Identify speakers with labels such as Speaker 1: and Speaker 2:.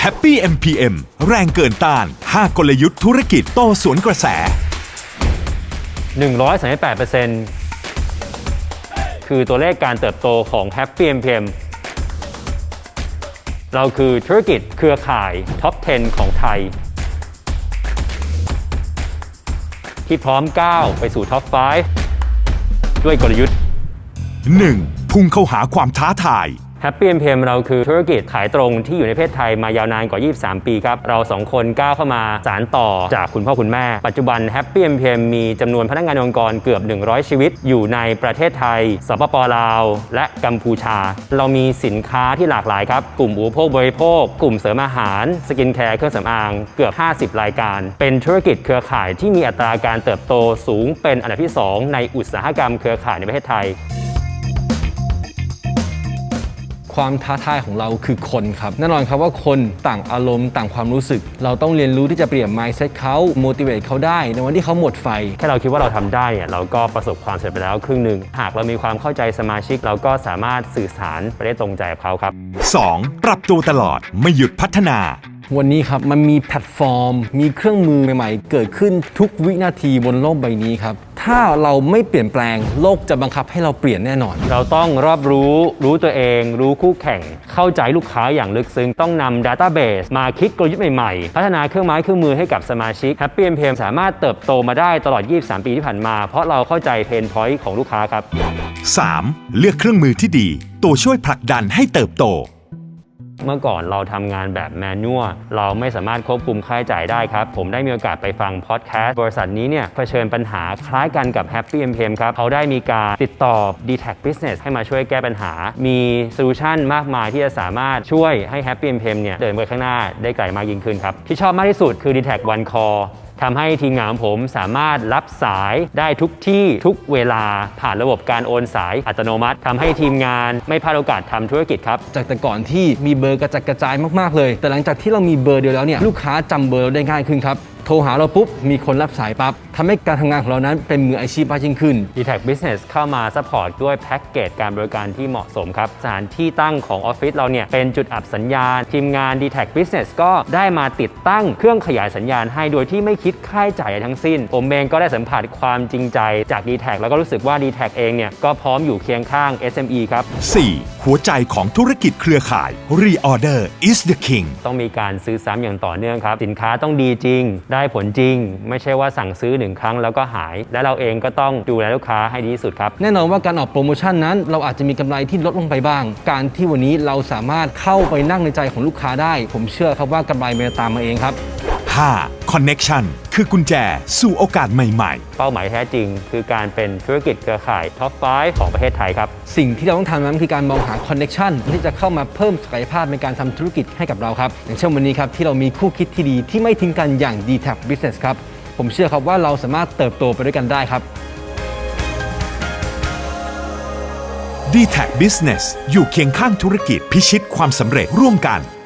Speaker 1: Happy MPM แรงเกินต้าน 5 กลยุทธ์ธุรกิจโตสวนกระแส
Speaker 2: 138% คือตัวเลขการเติบโตของ Happy MPM เราคือธุรกิจเครือข่ายท็อป 10 ของไทย ที่พร้อมก้าวไปสู่ท็อป 5 ด้วยกลยุทธ์
Speaker 1: 1. พุ่งเข้าหาความท้าทาย
Speaker 2: Happy MPM เราคือธุรกิจขายตรงที่อยู่ในประเทศไทยมายาวนานกว่า 23 ปีครับ เรา2 คนก้าวเข้ามาสานต่อจากคุณพ่อคุณแม่ ปัจจุบัน Happy MPM มีจำนวนพนักงานองค์กรเกือบ 100 ชีวิตอยู่ในประเทศไทย สปป.ลาว และกัมพูชา เรามีสินค้าที่หลากหลายครับ กลุ่มอุปโภคบริโภค กลุ่มเสริมอาหาร สกินแคร์ เครื่องสำอาง เกือบ 50 รายการ เป็นธุรกิจเครือข่ายที่มีอัตราการเติบโตสูงเป็นอันดับที่ 2 ในอุตสาหกรรมเครือข่ายในประเทศไทย
Speaker 3: ความท้าทายของเราคือคนครับแน่นอนครับว่าคนต่างอารมณ์ต่างความรู้สึกเราต้องเรียนรู้ที่จะเปลี่ยน mindset เขา motivate เขาได้ในวันที่เขาหมดไฟ
Speaker 2: แค่เราคิดว่าเราทำได้เนี่ยเราก็ประสบความสำเร็จไปแล้วครึ่งหนึ่งหากเรามีความเข้าใจสมาชิกเราก็สามารถสื่อสารไปได้ตรงใจกับเขาครับ
Speaker 1: 2. ปรับตัวตลอดไม่หยุดพัฒนา
Speaker 3: วันนี้ครับมันมีแพลตฟอร์มมีเครื่องมือใหม่ๆเกิดขึ้นทุกวินาทีบนโลกใบนี้ครับถ้าเราไม่เปลี่ยนแปลงโลกจะบังคับให้เราเปลี่ยนแน่นอน
Speaker 2: เราต้องรอบรู้ตัวเองรู้คู่แข่งเข้าใจลูกค้าอย่างลึกซึ้งต้องนำ Database มาคิดกลยุทธ์ใหม่ๆพัฒนาเครื่องไม้เครื่องมือให้กับสมาชิก Happy MPM สามารถเติบโตมาได้ตลอด 23 ปีที่ผ่านมาเพราะเราเข้าใจเพนพอยต์ของลูกค้าครับ
Speaker 1: 3. เลือกเครื่องมือที่ดีตัวช่วยผลักดันให้เติบโต
Speaker 2: เมื่อก่อนเราทำงานแบบแมนนวลเราไม่สามารถควบคุมค่าใช้จ่ายได้ครับผมได้มีโอกาสไปฟังพอดแคสต์บริษัทนี้เนี่ยเผชิญปัญหาคล้ายกันกับ Happy MPM ครับเขาได้มีการติดต่อ DTAC Business ให้มาช่วยแก้ปัญหามีโซลูชันมากมายที่จะสามารถช่วยให้ Happy MPM เนี่ยเดินไปข้างหน้าได้ไกลมากยิ่งขึ้นครับที่ชอบมากที่สุดคือ DTAC One Callทำให้ทีมงานของผมสามารถรับสายได้ทุกที่ทุกเวลาผ่านระบบการโอนสายอัตโนมัติทำให้ทีมงานไม่พลาดโอกาสทำธุรกิจครับ
Speaker 3: จากแต่ก่อนที่มีเบอร์กระจัดกระจายมากๆเลยแต่หลังจากที่เรามีเบอร์เดียวแล้วเนี่ยลูกค้าจำเบอร์เราได้ง่ายขึ้นครับโทรหาเราปุ๊บมีคนรับสายปั๊บทำให้การทำงานของเรานั้นเป็นมืออาชีพมากยิ่งขึ้น
Speaker 2: DTAC Business เข้ามาซัพพอร์ตด้วยแพ็กเกจการบริการที่เหมาะสมครับสถานที่ตั้งของออฟฟิศเราเนี่ยเป็นจุดอับสัญญาณทีมงาน DTAC Business ก็ได้มาติดตั้งเครื่องขยายสัญญาณให้โดยที่ไม่คิดค่าใช้จ่ายทั้งสิ้นผมเองก็ได้สัมผัสความจริงใจจาก DTAC แล้วก็รู้สึกว่า DTAC เองเนี่ยก็พร้อมอยู่เคียงข้าง SME ครับ
Speaker 1: 4. หัวใจของธุรกิจเครือข่าย Reorder is the king
Speaker 2: ต้องมีการซื้อซ้ำอย่างต่อเนื่องครับสินค้าต้องดีจริงได้ผลจริงไม่ใช่ว่าสั่งซื้อ1 ครั้งแล้วก็หายและเราเองก็ต้องดูแลลูกค้าให้ดีที่สุดครับ
Speaker 3: แน่นอนว่าการออกโปรโมชั่นนั้นเราอาจจะมีกำไรที่ลดลงไปบ้างการที่วันนี้เราสามารถเข้าไปนั่งในใจของลูกค้าได้ผมเชื่อครับว่ากำไรมันจะตามมาเองครับ
Speaker 1: 5. Connection คือกุญแจสู่โอกาสใหม่
Speaker 2: ๆเป้าหมายแท้จริงคือการเป็นธุรกิจเครือข่ายท็อป 5 ของประเทศไทยครับ
Speaker 3: สิ่งที่เราต้องทำนั้นคือการมองหา Connection ที่จะเข้ามาเพิ่มศักยภาพในการทำธุรกิจให้กับเราครับอย่างเช่นวันนี้ครับที่เรามีคู่คิดที่ดีที่ไม่ทิ้งกันอย่าง DTAC Business ครับผมเชื่อครับว่าเราสามารถเติบโตไปด้วยกันได้ครับ
Speaker 1: DTAC Business อยู่เคียงข้างธุรกิจพิชิตความสำเร็จร่วมกัน